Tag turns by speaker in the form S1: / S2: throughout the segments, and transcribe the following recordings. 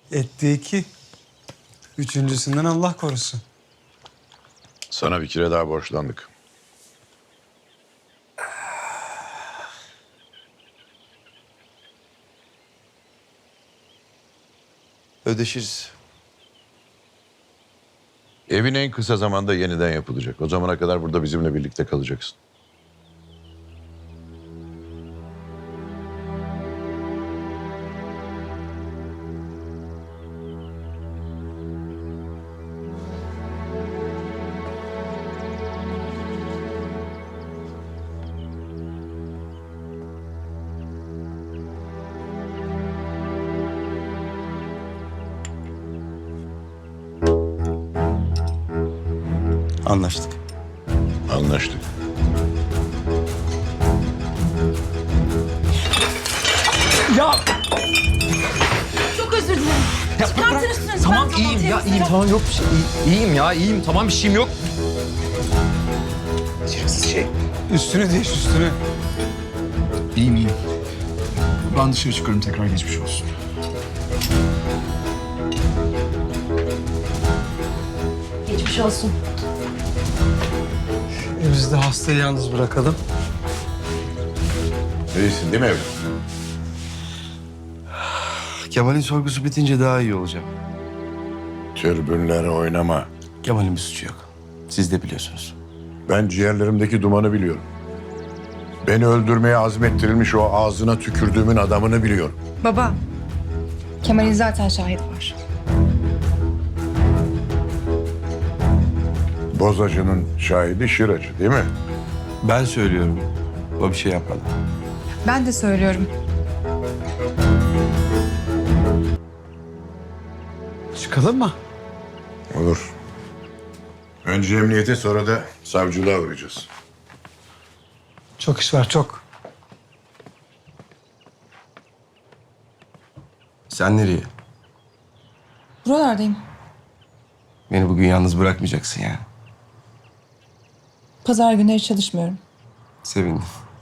S1: Etti 2. Üçüncüsünden Allah korusun.
S2: Sana bir kere daha borçlandık.
S3: Ödeşiriz.
S2: Evin en kısa zamanda yeniden yapılacak. O zamana kadar burada bizimle birlikte kalacaksın.
S3: Anlaştık.
S2: Anlaştık.
S4: Ya
S5: Çok özür dilerim. Çıkartın üstünüzü.
S4: tamam
S5: Ben
S4: iyiyim ya iyiyim
S5: temizleyeceğim.
S4: tamam yok bir şey. İyiyim ya iyiyim tamam bir şeyim yok. Beceriksiz şey.
S1: Üstünü değiş üstünü.
S4: İyiyim iyiyim. Ben dışarı çıkıyorum tekrar geçmiş olsun.
S5: Geçmiş olsun.
S1: Biz de hastayı yalnız bırakalım.
S2: İyisin değil mi evlat?
S3: Kemal'in sorgusu bitince daha iyi olacağım.
S2: Türbünlere oynama.
S3: Kemal'in bir suçu yok. Siz de biliyorsunuz.
S2: Ben ciğerlerimdeki dumanı biliyorum. Beni öldürmeye azmettirilmiş o ağzına tükürdüğümün adamını biliyorum.
S6: Baba, Kemal'in zaten şahit var.
S2: Bozacının şahidi Şıracı değil mi?
S3: Ben söylüyorum. O bir şey yapmadı.
S6: Ben de söylüyorum.
S1: Çıkalım mı?
S2: Olur. Önce emniyete sonra da savcılığa uğrayacağız.
S1: Çok iş var çok.
S3: Sen nereye?
S6: Buralardayım.
S3: Beni bugün yalnız bırakmayacaksın yani.
S6: Pazar günleri çalışmıyorum.
S3: Sevindim.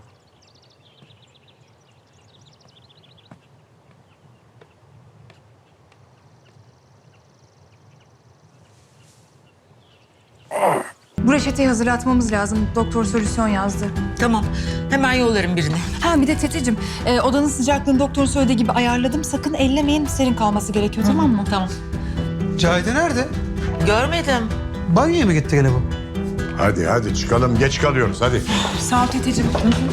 S6: Bu reçeteyi hazırlatmamız lazım. Doktor solüsyon yazdı.
S5: Tamam. Hemen yollarım birini.
S6: Ha bir de Teteciğim, odanın sıcaklığını doktorun söylediği gibi ayarladım. Sakın ellemeyin, serin kalması gerekiyor tamam mı?
S5: Tamam.
S1: Cahide nerede?
S5: Görmedim.
S1: Banyoya mı gitti gene bu?
S2: Hadi hadi çıkalım, geç kalıyoruz hadi.
S6: Sağ ol Teteciğim.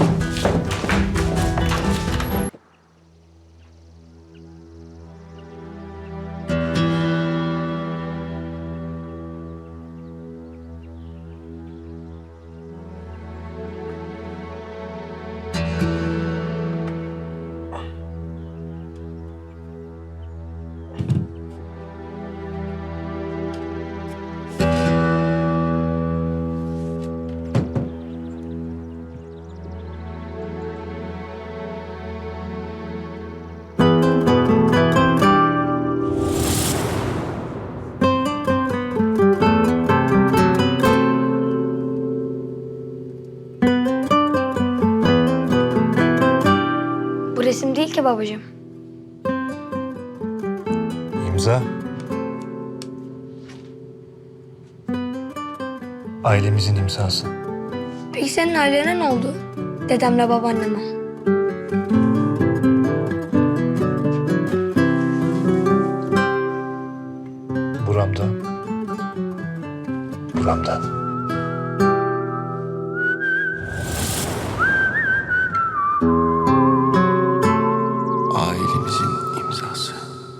S7: Bu resim değil ki babacığım.
S8: İmza. Ailemizin imzası.
S7: Peki senin ailene ne oldu? Dedemle babaanneme.
S8: Buramda. Buramda.
S3: Ailemizin imzası.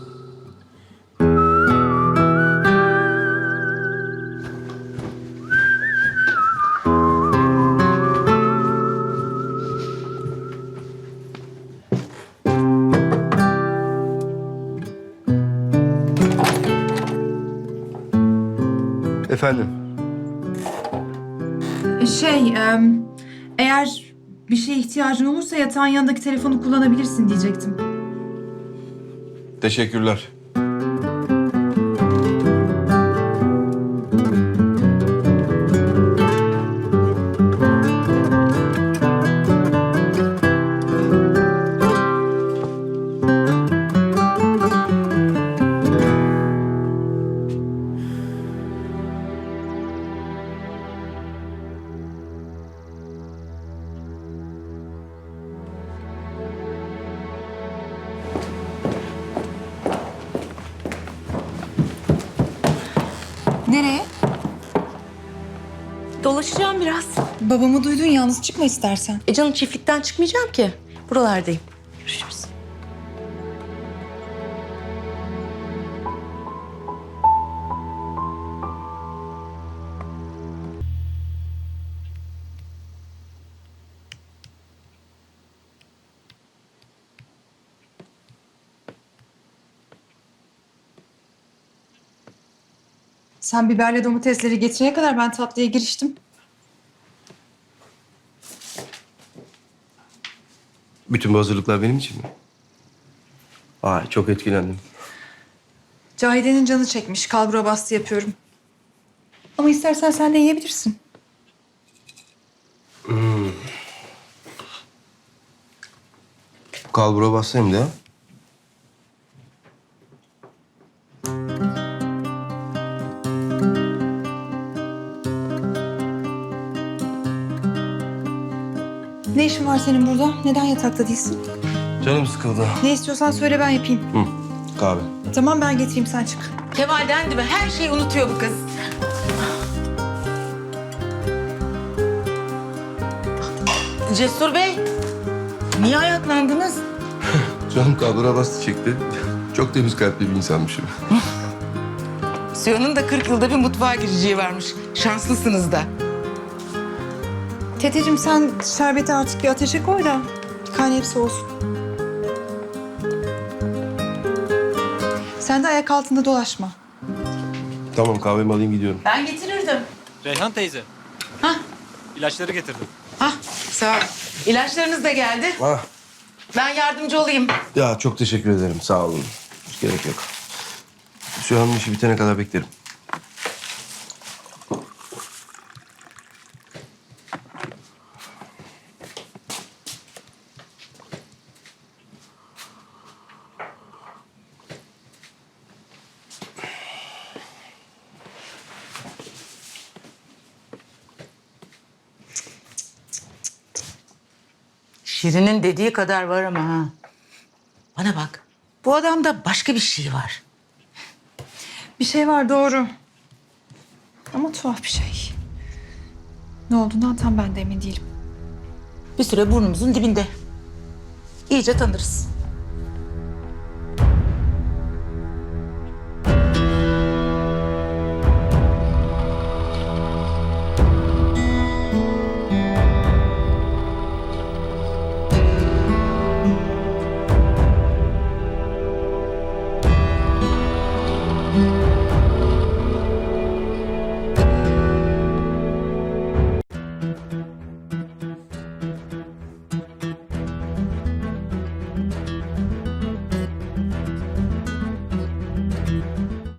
S3: Efendim?
S6: Eğer bir şeye ihtiyacın olursa yatağın yanındaki telefonu kullanabilirsin diyecektim.
S3: Teşekkürler.
S5: Dolaşacağım biraz.
S6: Babamı duydun, yalnız çıkma istersen.
S5: Canım çiftlikten çıkmayacağım ki. Buralardayım. Görüşürüz.
S6: Sen biberle domatesleri getirene kadar ben tatlıya giriştim.
S3: Bütün bu hazırlıklar benim için mi? Ay çok etkilendim.
S6: Cahide'nin canı çekmiş. Kalbura bastı yapıyorum. Ama istersen sen de yiyebilirsin.
S3: Kalbura bassayım da.
S6: Ne işin var senin burada? Neden yatakta değilsin?
S3: Canım sıkıldı.
S6: Ne istiyorsan söyle ben yapayım.
S3: Hı, kahve.
S6: Tamam ben getireyim sen çık.
S5: Kemal dendi mi? Her şeyi unutuyor bu kız. Cesur Bey, niye ayaklandınız?
S3: Canım kalbura bastı çekti. Çok temiz kalpli bir insanmışım.
S5: Suya'nın da 40 yılda bir mutfağa gireceği varmış. Şanslısınız da.
S6: Teteciğim sen şerbeti artık bir ateşe koy da kaynayıp soğusun. Sen de ayak altında dolaşma.
S3: Tamam kahvemi alayım gidiyorum.
S5: Ben getirirdim.
S9: Reyhan teyze.
S5: Hah,
S9: İlaçları getirdim.
S5: hah, sağ ol. İlaçlarınız da geldi.
S3: Ah,
S5: Ben yardımcı olayım.
S3: ya çok teşekkür ederim sağ olun. Hiç gerek yok. Şu an işi bitene kadar beklerim.
S5: Şirin'in dediği kadar var ama ha. Bana bak, bu adamda başka bir şey var.
S6: Bir şey var doğru. Ama tuhaf bir şey. Ne olduğundan tam ben de emin değilim.
S5: Bir süre burnumuzun dibinde. İyice tanırız.